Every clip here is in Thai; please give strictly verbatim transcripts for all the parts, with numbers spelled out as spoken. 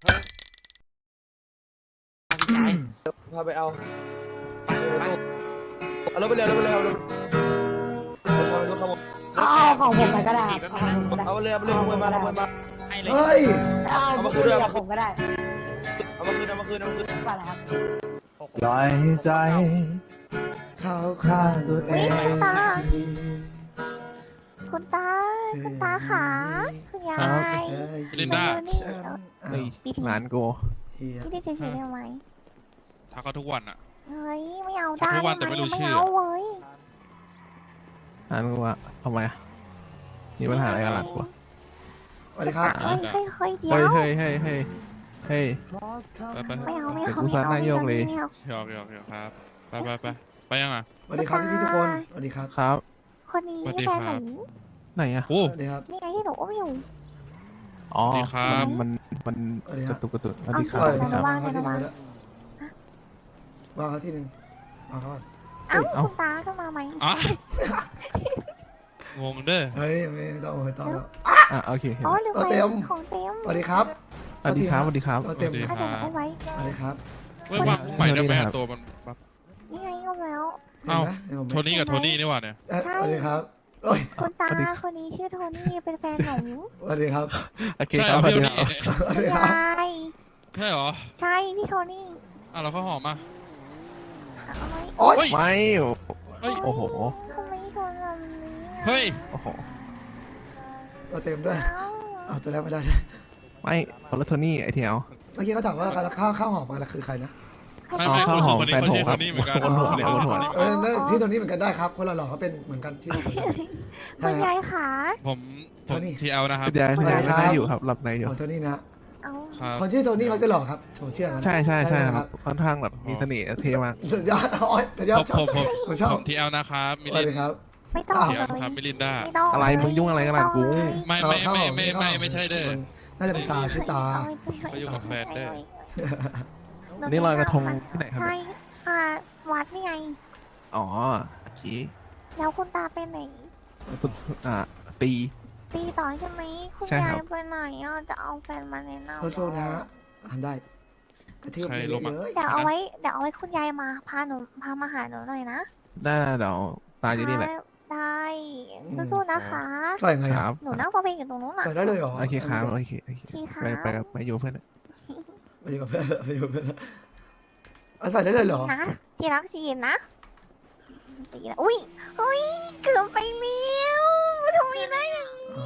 พาไปเอาเอารถไปเร็วรถไปเร็วรถรถขโมยเอาของผมไปก็ได้ครับเอาของผมก็ได้เอาไปเลยเอาไปเลยขโมยมาขโมยมาเฮ้ยเอามาคืนกับผมก็ได้เอามาคืนเอามาคืนเอามาคืนก่อนนะครับปล่อยใจเข้าข้างตัวเองคุณตา คุณตาขาคุณยายลินดานี่เฮ้ยหลานกูพี่ได้เจอเห็นได้ไหมทักเขาทุกวันอ่ะเฮ้ยไม่เอาทัได้กทุกวันแต่ไม่รู้ชื่อไม่เอาเว้ยหลานกูอะทำไมอะมีปัญหาอะไรกับหลานกูอะสวัสดีครับเฮ้ยเฮ้ยเฮ้ยเดี๋ยเฮ้ยว เฮ้ยเฮ้ยเฮ้ยเฮ้ยไปไปไม่เอาไม่เอาเดี๋ยวกูซัดหน้าโยกเลยไม่เอาหยอกหยอกหยอกครับ ไปไปไปไปยังอ่ะสวัสดีครับพี่ๆทุกคนสวัสดีครับครับคนนี้สวัสดีแฟครันหบนูไหนอะโอ้สวัสดีครับนี่ไงที่หนูอุ้มอยู่อ๋อสวัสดีครับมันมันสวัสดีกครัระบตุกกระตุกสวัสดีครับเอาสวัสดีครับว่างเขาไงที่หระนึ่วังงแล้ววางเขาที่หนึ่งวางเขาก่อนเอ้าเอ้าคุณตาขึ้นมาไหมอ่ะงงเด้อเฮ้ยไม่ไม่ต้องไม่ต้องแล้วอ่ะโอเคเห็นอ๋อแล้วลืมไปเต็มของเต็มสวัสดีครับสวัสดีครับสวัสดีครับเราเต็มสวัสดีถ้าเดี๋ยวหนูเอาไว้สวัสดีครับเว้ยวางใหม่ได้ไหมตัวมันแบบนี่ไงเอาแล้วเห็นไหมเห็นผมไหมโทนี่กับโทนี่นี่หว่าเนี่ยเอ้ยสวัสดีครับโอ้ยคุณตาคนนี้ชื่อโทนี่เป็นแฟนหนูสวัสดีครับโอเคใช่คเหรรัอบสวัสพี่ดีโทครับนี่ยายใช่เหรอใช่พี่โทนี่อ่ะเราเข้าหอมมาเอาไว้โอ๊ยเฮ้ยไม่เฮ้ยโอ้โหทำไมโทนแบบนี้อะเฮ้ยโอ้โหเราเต็มด้วยเอ้าเอาตัวแรกไม่ได้ด้วยไม่คนละโทนี่ไอเทียวเมื่อกี้เขาถามว่าข้าวข้าวหอมมาแล้วคือใครนะไม่อ๋อไม่ข้าวหอมคนนี้แฟนเขาผมชื่อคโทรับนี่เหมือนกันบนหัวเนี่ยบนหัวเออนั่นที่ตัวนี้เหมือนกันได้ครับ คนละหล่อเขาเป็นเหมือนกันที่เหมือนกันคุใช่ณครัยาบยขาผมผโทมนี่ทีเอลนะครับคุณยายคุณยายไม่ได้อยู่ครับหลับในอยู่ของโทนี่นะเอาครับคนชื่อโทนี่เขาจะหล่อครับผมเชื่อมันใช่ใช่ใช่ครับค่อนข้างแบบมีเสน่ห์เท่มากสุดยอดโอ้ยสุดยอผดมชอบผมผมผมชอบผมทีเอลนะครับมิสวัสลินดีครับไม่ต้องทีเลเอลครับมิยลินดาไม่ต้องอะไรมึงยุ่งอะไรกับหลานกูไม่ไม่ไม่ไม่ไม่ไม่ใช่เด้อน่าจะเป็นตาชื่อตาเขาอยู่กับแฟนเด้ออันนี้ลอยกระทงที่ไหนครับใช่เนี่ยอ่าวัดนี่ไงอ๋อโอเคแล้วคุณตาไปไหนคุณอ่าตีตีต่อใช่ไหมคุณใช่ยาครัยบไปไหนอ่ะจะเอาแฟนมาแนะนำโทษนะฮะทำได้กระเทือบไปเลยเดี๋ยวเอาไว้เดี๋ยวเอาไว้คุณยายมาพาหนูพามาหาหนูหน่อยนะได้ได้เดี๋ยวตายอยู่นี่แหละได้สู้ๆนะคะใส่ไงคครัรับบหนูนั่งฟังเพลงอยู่ตรงนู้นอ่ะใส่ได้เลยเหรอโอเคครับโอเคโอเคพี่คะไปไปกับไปอยู่เพื่อนไปอยู่กับเพื่อนไปอยู่กับเพื่อนเอาใส่ได้เลยเหรอนะที่รักชีนนะตีแล้วอุ้ยอุ้ยเกือบไปเลี้ยวทำไมได้อย่างนี้อ๋อ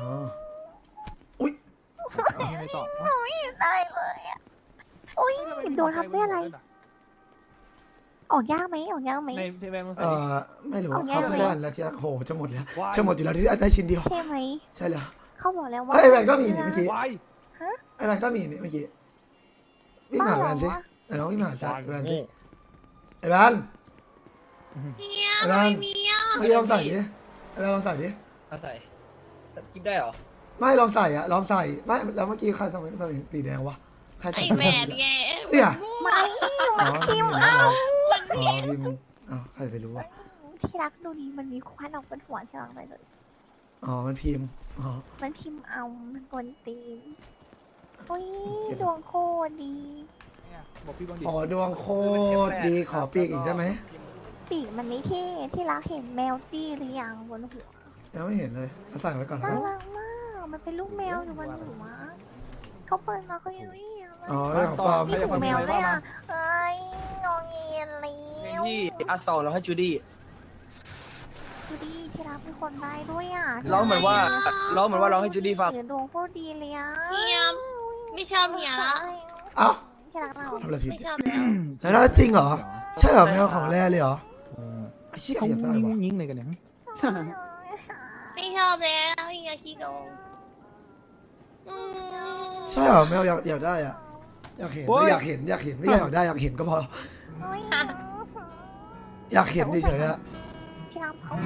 ไม่ได้เลยอ่ะอุ้ยโดนทำได้อะไร ออกยากไหมออกยากไหมในเพจแบงค์เออไม่รู้เอาแย่เขาเลยเพื่อนแล้วที่โหจะหมดแล้วจะหมดอยู่แล้วที่ได้ชิ้นเดียวใช่ไหมใช่แล้วเขาบอกแล้วว่าเฮ้ยไอ้แวนก็มีนี่เมื่อกี้วายไอ้แวนก็มีนี่เมื่อกี้วิ่งมาหาแวนสิไอ้น้องวิ่งมาหาแวนสิไอ้แวนเนี่ยไอ้แวนไม่มีอ่ะเมื่อกี้ลองใส่ดิไอ้แวนลองใส่ดิใส่กินได้เหรอไม่ลองใส่อะลองใส่ไม่แล้วเมื่อกี้ใครทำไมทำไมสีแดงวะใครใส่ไอสีแหวแดงนไงเนี่ยไม่อ๋อคิมนี่เอาอ๋อพิมพ์อ้าวใครไปรู้วะที่รักดูดีมันมีควันออกบนหัวที่รักเลยเลยอ๋อมันพิมพ์อ๋อมันพิมพ์เอามันกวนตีนอุ้ยดวงโคตรดีบอกพี่บอลดิอ๋อดวงโคตรดีขอปีกอีกได้ไหมปีกมันไม่เท่ที่รักเห็นแมวจี้หรือยังบนหัวยังไม่เห็นเลยเอาใส่ไว้ก่อนคน่ารับรักมาก มันเป็นลูกแมวอยู่บนหัวเขาเปิดมาเขายังไม่เห็นเลยอ๋อเรื่องของปลอมมีหูแมวด้วยอ่ะเอ้ยงงเงียนเลยที่อาสองเราให้จูดี้ดูดิที่รักเป็นคนได้ด้วยอ่ะร้องเหมือนว่าร้องเหมือนว่าร้องให้จูดี้ฟังดวงโคตรดีเลยอ่ะเฮียไม่ชอบเฮียละเอ้าที่รักเราทำอะไรผิดไม่ชอบแล้วแล้วน่าจริงเหรอใช่เหรอแมวของแร่เลยเหรอไอ้เชี่ยเขาอยากได้ยิงวะยิงเลยกันเนี่ยไม่ชอบแล้วเฮียขี้โกงอืมใช่เหรอแมวอยากอยากได้อะอยากเห็นไม่อยากเห็นอยากเห็นไม่อยากได้อยากเห็นก็พอโอ้ยอยากเห็นเฉยๆอะที่รักเขา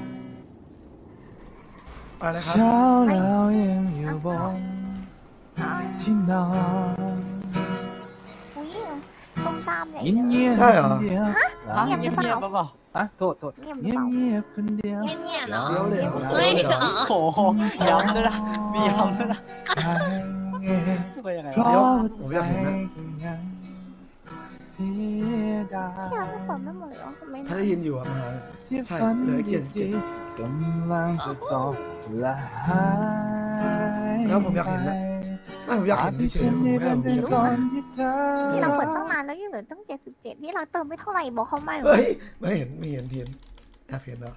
อะไรนะครับเช้าแล้วยังอยู่บนที่นอนอุ้ยตรงตามใหญ่เงียบเลยเงียบใช่เหรอเงียบเงียบหรือเปล่าเปล่าอ่ะโทษโทษเงียบหเงีรืยอบ เปล่าเงียบคนเดียวเฮียเงียเนาะเดี๋ยวเลยเหรอเฮ้ยเดี๋ยวเลยเหรอโอ้โหย้ำด้วยนะมีย้ำด้วยนะใครไปยังไงนายกผมอยากเห็นนะเสียดายที่เราก็เปิดไม่หมดเลยเหรอทำไมถ้าได้ยินอยู่อะมาหาที่ใช่ฝันเหลือแค่เกียรติเจ็ดกำลังจะจบและหายแล้วผมอยากเห็นนะ ไม่ผมอยากเห็นเฉยๆผมไม่เอาผมอยากเห็นนะที่เราเปิดตั้งนานแล้วยังเหลือตั้งเจ็ดสิบเจ็ดที่เราเติมไม่เท่าไหร่บอกเขาไม่เหรอเฮ้ยไม่เห็นไม่เห็นเทียนแอบเห็นเหรอ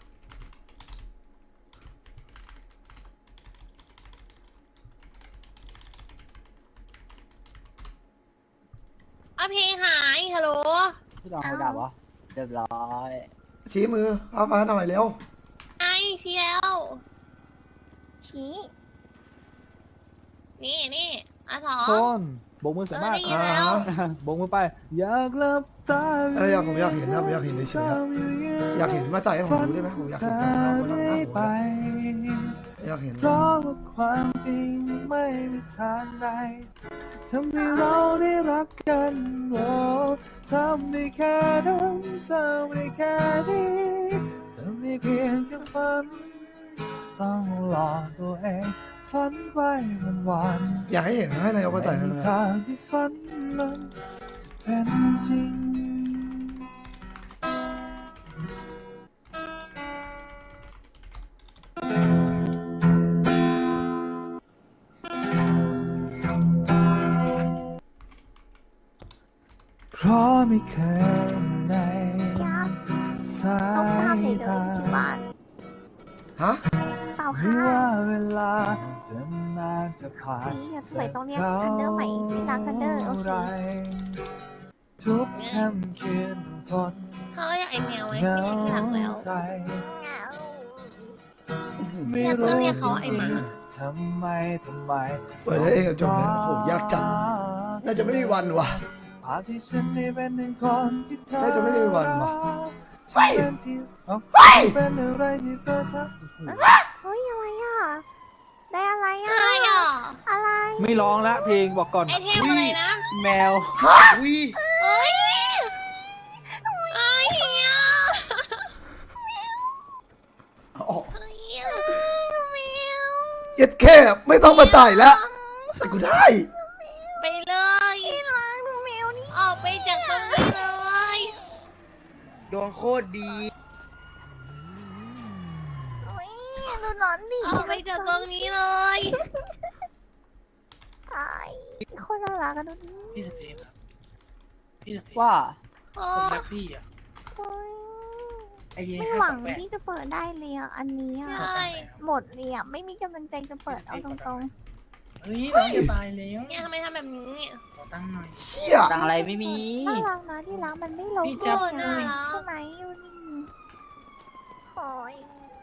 เอาเพลงหายฮัลโหลพี่ดองเขาด่าปะเรียบร้อยชี้มือเอาฟ้าหน่อยเร็วไอเชียวชี้นี่นี่อาถอคนโบกมือสวยมากเออได้ยินแล้วอ่าโบกมือไป อยากหลับตาเอออยากผมอยากเห็นนะผมอยากเห็นเฉยๆอะอยากเห็นมาใส่ให้ผมดูได้ไหมผมอยากเห็นหน้าบนหน้าหัวไปอยากเห็นเพราะว่าความจริงไม่มีทางใดทำให้เราได้รักกันโอ้ทำได้แค่นั้นทำได้แค่นี้ทำได้เพียงแค่ฝันต้องหลอกตัวเองฝันไว้วันวันอยากให้เห็นให้นายกมาใส่ไม่ให้มีหน่อยทางที่ฝันมันจะเป็นจริงเพราะไม่เคยในยากสาต้องตามยเลยเลยตาที่บ้านฮะเปล่าไม่ค่ะว่าเวลาจะนานจะผ่านนี่สวยตรงเนี้ยกันเดอร์ใหม่ที่รักกันเดอร์โอเคทุกค่ำคืนต้องทนเขาอยากไอแมวไว้เหงาไม่อยากหลักแล้วใจอยากเรียกเขาไอ้หมาทำไมทำไมเปิดได้เองกับจบเนี่ยโอ้โหยากจัดน่าจะไม่มีวันว่ะภาพที่ฉันได้เป็นหนึ่งคนที่เธอน่าจะไม่มีวันว่ะเฮ้ยเป็นที่เอ้าเฮ้ยเป็นอะไรที่เธอทำเฮ้ยอะไรอ่ะ ได้อะไรอ่ะใช่อ่ะอะไรไม่ร้องละเพลงบอกก่อนไอเทมอะไรนะแมวอุ้ยเฮ้ยไอเฮียเอาออกไอเฮียแมวเย็ดแค่ไม่ต้องมาใส่แล้วใส่กูได้ไปเลยที่รักดูแมวนี่ออกไปจากตรงนี้เลยดวงโคตรดีโอ้ยดูหนอนดิออกไปจากตรงนี้เลยไอ้คนน่ารักกันดูดิพี่สเตฟครับพี่สเตฟว่าโอ้ผมรักพี่อ่ะโอ้ยไอเดียไม่ห้าหวัสอง งแปดที่จะเปิดได้เลยอ่ะ อันนี้อ่ะใช่หมดเลยอ่ะ ไม่มีกำลังใจจะเปิดเอาตรงเฮ้ยน้องจะตายแล้วเนี่ยทำไมทำแบบนี้เนี่ยขอตั้งค์หน่อยเชี่ยตังอะไรไม่มีๆน่ารักนะที่รักมันไม่ลงพี่จับโทษน่านะรักใช่ไหมยูนี่โอ้ย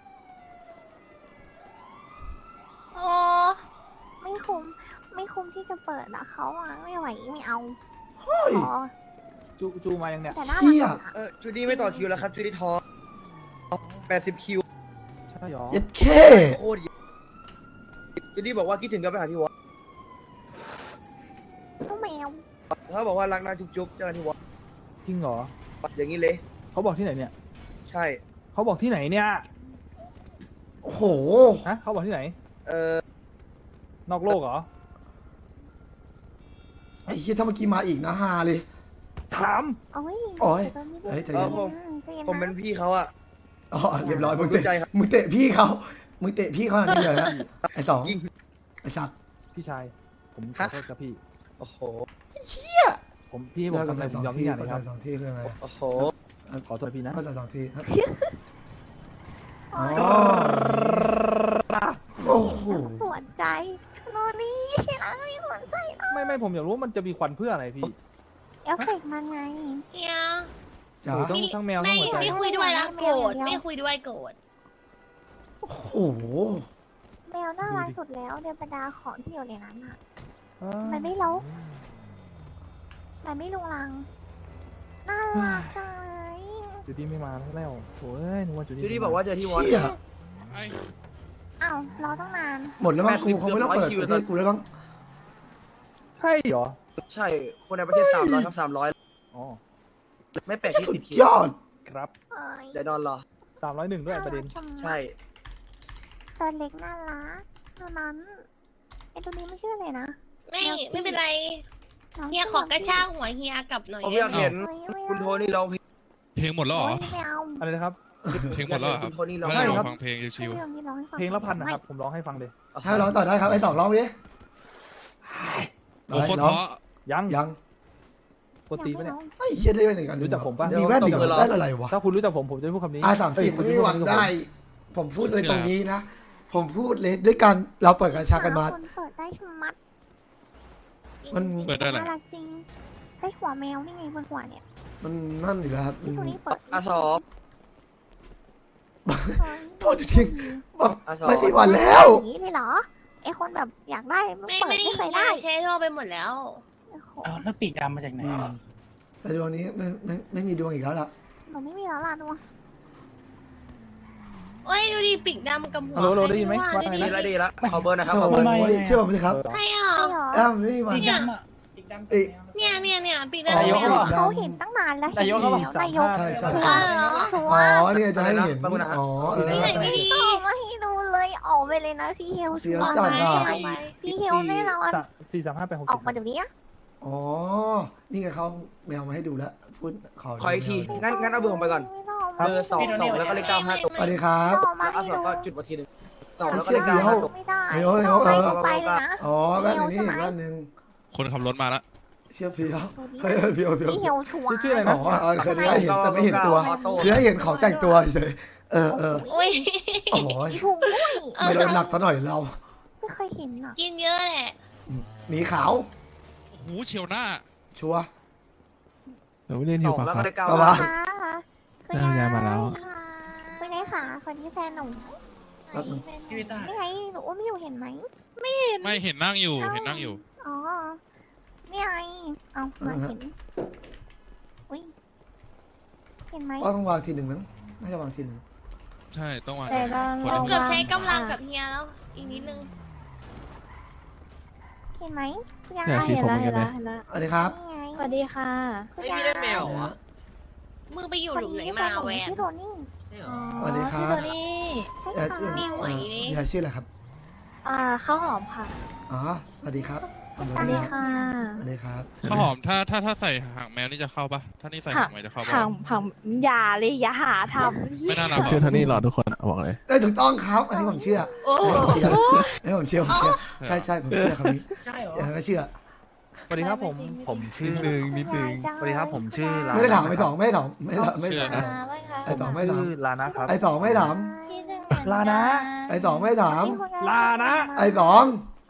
โอ้ไม่คุ้ม ไม่คุ้มที่จะเปิดอะเขาอ่ะ ไม่ไหวไม่เอาเฮ้ยขอจูจูมายังเนี่ยแต่น่ารัเชี่กยอะเออจูดี้ไม่ต่อคิวแล้วครับจูดี้ทอแปดสิบคิวใช่หรอเย็ดแค่โคตรเยอะจูดี้บอกว่าคิดถึงก็ไปหาที่วัดก็แมวเขาบอกว่ารักนะจุ๊บๆเจอกันที่วัดจริงเหรออย่างนี้เลยเขาบอกที่ไหนเนี่ยใช่เขาบอกที่ไหนเนี่ยโอ้โหฮะเขาบอกที่ไหนเออนอกโลกเหรอไอ้เหี้ยถ้าเมื่อกี้มาอีกนะฮาเลยถามโอ้ยโอ้ยแต่ตอนนี้ได้เฮ้ยใจเอเย็อน ผมใจเย็นผมเป็นนะพี่เขาอะอ๋อเรียบร้อยผมมึงรู้ใจเตะครับมึงเตะพี่เขามึงเตะพี่เขาอันนี้เลยนะไอ้สองยิงไอ้สัตว์พี่ชาย ผมขอฮะโทษครับพี่โอ้โหผมพี่ให้ผมก็ทำอะไรใส่ผสอมงยอมทุที่กอย่างเลก็ยคใส่รับสองที่คือไงโอ้โหขอโทษพี่นะก็ใส่สองที่ครับโอ้อ๋อย โอ้โหปวดใจโนนี่ที่รักมีขนใส่นะไม่ไม่ผมอยากรู้ว่ามันจะมีควันเพื่ออะไรพี่เอฟเฟกต์มันไงเฮียจ๋าโอ้ต้องทั้งแมวทั้ไม่งหัวใจไม่คุยด้วยแล้วโกรธไม่คุยด้วยโกรธโอ้โหแมวน่ารักสุดแล้วเดือนบรรดาของที่อยู่ในนั้นอ่ะอ่ามันไม่ลกมันไม่ลุงลัง น่ารักจังเลยจูดี้ไม่มาแล้วโอ้ยนึกว่าจูดี้จูดี้บอกว่าเจอที่วัดเชี่ยไอ้อ้าวรอตั้งนานหมดแล้วมั้งกูคงไม่ต้องเปิดแปดสิบประเทศกูแล้วมั้งใช่เหรอใช่ คนในประเทศสามร้อยครับสามร้อยอ๋อไม่แปลกที่สุติดดคิยว อดครับเอ้ยเดี๋ยวนอนรอสามร้อยหนึ่งด้วยประเด็นารักจังใช่ตัวเล็กน่ารักเท่านั้นไอตัวนี้ไม่ชื่ออะไรนะไม่ไม่เป็นไรเฮียขอกระชากหัวเฮียกลับหน่อยผมอยากเห็นเฮ้ยไม่คุณโทเอานี่ร้องเพลงเพลงหมดแล้วเหรอโอ้ยไม่เอาอะไรนะครับเพลงหมดแล้วเหรอครับคุณโทนี่ร้องไม่เพลได้งลองฟังเพลงชิวให้พี่ลองนี่ร้องให้ฟังเพลงละพันนะครับ ผมร้องให้ฟังเลยให้ร้องต่อได้ครับไอ้สองร้องดิๆโอ้โคตรร้องเพราะยังยังกดตีปะเนี่ยไอ้เชี่ยได้ไปไหนกันรู้จักผมปะมีแว่นอีกเหรอแว่นอะไรวะถ้าคุณรู้จักผมผมจะไม่พูดคำนี้อาสามสิบเอ้ยไม่มีหวังคุณจะได้ ผมพูดเลยตรงนี้นะ ผมพูดเลยด้วยกันเราเปิดกัญชากันมาคนเปิดได้ชะมัดมันเปิดได้แหละน่ารักจริงได้หัวแมวนี่ไงบนหัวเนี่ยมันนั่นอยู่แล้วครับพี่คนนี้เปิดอาสองพูดจริงๆแบบอาสองไม่มีวันแล้วอย่างนี้เลยเหรอไอคนแบบอยากได้มันไม่เปิดไม่ไม่เคยได้ได้ใช้โทรไปหมดแล้วโอ้โหเอาแล้วปีกดำมาจากไหนแต่ดวงนี้ไม่ไม่ไม่มีดวงอีกแล้วล่ะหนูไม่มีแล้วล่ะดวงโอ้ยดูดิปีกดำกับหัวฮัลโหลฮัลโหลได้ยินไหมใครว่าไงดูดีนะละดีละขอเบอร์นะครับโถ่ขอเบอร์โอ้ยเชื่อผมสิครับใช่อ่ะใช่เหรอแอ้าวไม่มีวันปีกดำอ่ะปีกดำเอ้ยเนี่ยเนี่ยเนี่ยปีกอ๋อดำนายกเนี่ยเหรอเขาเห็นตั้งนานแล้วนายกเขาบอกนายกใช่ใช่ชัวใช่ร์ชัวอ๋ร์อเนี่ยจะให้เห็นอ๋อเออนี่ไหนไม่ดีเอามาให้ดูเลยออกไปเลยนะซีเฮลเสีชัยวร์จัดอ่ะใช่ซีเฮลแน่นอนสามสี่สามห้าแปดหกออกมาเดี๋ยวนี้อะอ๋อ นี่ไงเขาแมวมาให้ดูแล้วพูดขอขออีกทีแมวงั้นงั้นเอาเบอร์ผมไปก่อนไม่ต้องเบอร์สองสองแล้วก็เลขเก้าห้าตัวสวัสดีครับออกมาแล้วเอาให้สองดูก็จุดมาทีหนึ่งสองแล้วก็เลขเก้าห้าตัวไม่ได้เดี๋ยวเดี๋ยวไปเออไปเลยนะอ๋อแว่นอันนี้อีกแว่นหนึ่งคนขับรถมาแล้วเชื่อเพียวเฮ้ยเฮ้ยเพียวเพียวซีเฮลชัวร์ชื่ออะไรอ๋นะอเออเคยได้เห็นแต่ไม่เห็นตัว คือให้เห็นของแต่งตัวเฉยเออเออโอ้ยโอ้ยอีพุงด้วยไม่โดนหนักซะหน่อยเราไม่เคยเห็นอ่ะกินเยอะแหละหมีขาวโอ้โหเฉียวหน้าชัวร์เดี๋ยวเล่นอสยู่องปะแล้วคก็รับเลขเก้าก็ห้าว่าค่ะคุณน่าจะมาแล้วคุณนายค่ะคนที่แฟนหนูแป๊บนึงพี่วิต้านี่ไงหนูอุ้มอยู่เห็นไหมไม่เห็นนั่งอยู่เห็นนั่งอยู่อ๋อนี่ไงเอามาเห็นอุ้ยเห็นไหมก็ต้องวางทีหนึ่งมั้งน่าจะวางทีหนึ่งใช่ต้องวางแต่เราคนเราละเกือบใช้กำลังกับเฮียแล้ว อีกนิดนึงเห็นไหมคุณยายเนี่ยสีผมเหมือนกันเลยสวัสดีครับนี่ไงสวัสดีค่ะคุณยายนะฮะมึงไปอยู่คนหลุมไหนนี้แฟมานหนูแวนชื่อโทนี่สวัสดีครับพี่โทนี่ใช่ยายชื่อค่ะมีหวยดิยายชื่ออะไรครับอ่าข้าวหอมค่ะอ๋อ สวัสดีครับสสวัสดีค่ะสวัสดีครับข้าวหอมถ้าถ้าถ้าใส่หางแมวนี่จะเข้าปะถ้านี่ใส่หางแมวจะเข้าปะผังผังอย่าเลยอย่าหาทไม่น่าหนัผมกเชื่อเท่านี้หรอทุกคนบอกเลยเอ้ยถูกต้องครับ อันนี้ผมเชื่อำโอ้อันนี้ผมเชื่ออันนี้ผมเชื่อผมเชื่อ ใช่ใช่ผมเชื่อคำนี้ใช่เหรออย่างนั้นก็เชื่อสวัสดีครับผมผมชื่อนิดนึงนิดนึงสวัสดีครับผมชื่อลาไม่ได้ถามไม่ถามไม่ถามไม่ถามไม่ถามมาไว้ค่ะไอ้สองไม่ถามชื่อลานะครับไอ้สองไม่ถามพี่หนึ่งเหมือลานะไอ้สองไม่ถามลานะไอ้สอง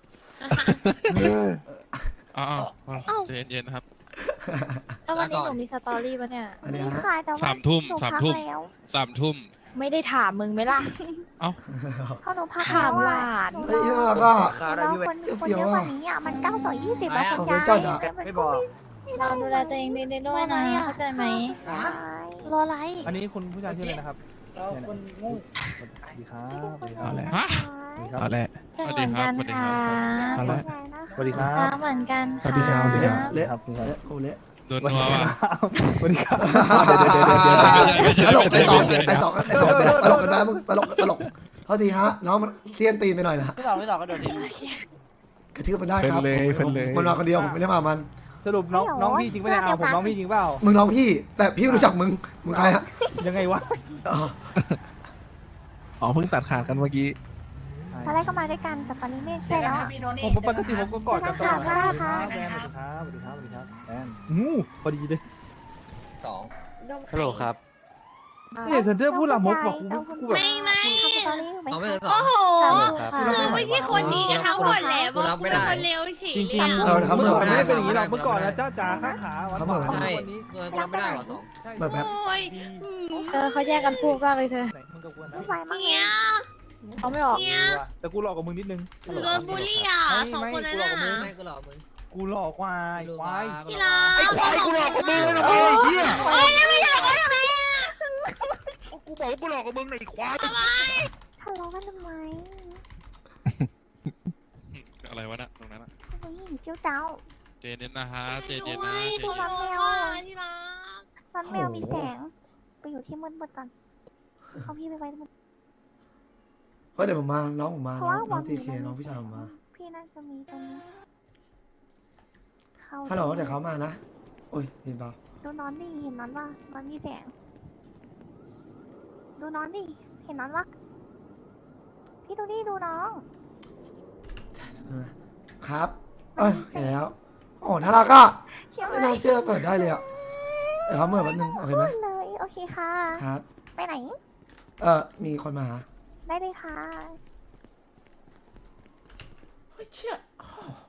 อ้าวอ้าวใจเย็นๆนะครับแล้ววันนี้หนูมีสตอรี่ปะเนี่ยอันนี้นี่ฮะค่ะแต่ว่าสามทุ่มหนูสามพักทุ่มแล้วสามทุ่มไม่ได้ถามมึงไหมล่ะเพราะหนูพักถามหลานหนูเฮ้ยรอแล้วก็คาหนูได้รอพี่เว้คยนคนเยอะกว่านี้อ่ะมันเก้าต่อยี่สิบอะคุณเขายายจัดอ่ะไม่บอกเราดูแลตัวเองดีๆด้วยนะ เข้าใจไหมรออะไรอันนี้คุณผู้ชายชื่ออะไรนะครับเราคนโงูสวัสดีครับสวัสดีคเอารับแหละฮะเอาแหละเพื่อนเหมือนกันค่ะเอาละสวัสดีครับรักเหมือนกันสวัสดีครับเละสวัสดีเละครับคุณครับเละโอ้เละโดนนัวว่ะสวัสดีครับตลกไอ้สองไอ้สองไอ้สองตลกกันนะมึงตลกตลกเท่าทีฮะน้องมันเสี้ยนตีนไปหน่อยนะพี่ต่อพี่ต่อก็โดนทิ้งกระทืบมันได้ครับเพิ่นเลยเพิ่นเลยมันมาคนเดียวผมไม่ได้มามันสรุปน้องน้องพี่จริงปะเนี่ยเอาผมน้องพี่จริงเปล่ามึงน้องพี่ แต่พี่ไม่รู้จักมึงมึงใครฮะยังไงวะอ๋ออ๋อเพิ่งตัดขาดกันเมื่อกี้ตอนแรกก็มาด้วยกันแต่ตอนนี้ไม่ใช่แล้วอะพี่โทนี่ผมปกติผมก็กอดกันตลอดสวัสดีค่ะแอนสวัสดีครับสวัสดีครับสวัสดีครับแอนอู้พอดีเลยสองฮัลโหลครับนี่เซนเตอร์พูดลามกบอกกูกูแบบไม่ไม่ทำสตอรี่ถูกไหมเอาไม่คะได้สอโอ้งโหสามทุ่มค่ะมึงไม่ใช่คนดีกันทั้งหมดแหละมึงเป็นคนเลวเฉยจริงเลยๆอะเอาละครับเมื่เมื่ออก่อนไม่ได้เป็นอย่างนี้หรอกเมื่อก่อนนะเจ้าจ๋าข้าขาวันครับก่อนผมวันนี้กูรับไม่ได้หรอสองแบบแบบโอ้ยเออเขาแยกกันพูดมากเลยเธอไหนมึงกับกูนะไม่ไหวมากเฮียเขาไม่ออกเฮียแต่กูหลอกกับมึงนิดนึงโดนบูลลี่อ่ะสองคนนั้นอ่ะไม่กูหลอกมึงกูหลอกว่าไอ้ควายพี่รักไอ้ควายกูหลอกกับมึงเลยนะมึงไอ้เหี้ยโอ้ยแล้วไม่ใช่คนทำไมอ่ะกูบอกกูหลอกกับมึงไอ้ควายทำไมทะเลาะกันทำไมอะไรวะน่ะตรงนั้นอะผู้หญิงเจ้าเจ้าเจเย็นนะฮะเจเย็นด้วนะยเจโทรเย็นมาแมวอ่ะที่รักตอนแมวมีแสง ไปอยู่ที่มืดๆก่อนเขาพี่ไปไว้มืดเพราะเดี๋ยวผมมาน้องผมมาเพราะน้องว่าน้องวัทีนเคนี้น้องพี่ชายผมมาพี่น่าจะมีตรงนี้เข้าฮัลโหลเดี๋ยวเขามานะโอ้ยเห็นเปล่าดูน้อนดิเห็นน้อนปะน้อนมีแสงดูน้อนดิเห็นน้อนปะพี่ดูดิดูน้องครับเอ้ยเห็นแล้วโอ้น่ารักอ่ะเขียวไม่เลน่าย เชื่อเปิดได้เลยอ่ะเดี๋ยวเขาเมื่อแป๊บนึงโอเคไหมพูดเลยโอเคค่ะครับไปไหนเออมีคนมาหาได้เลยค่ะเฮ้ยเชี่ย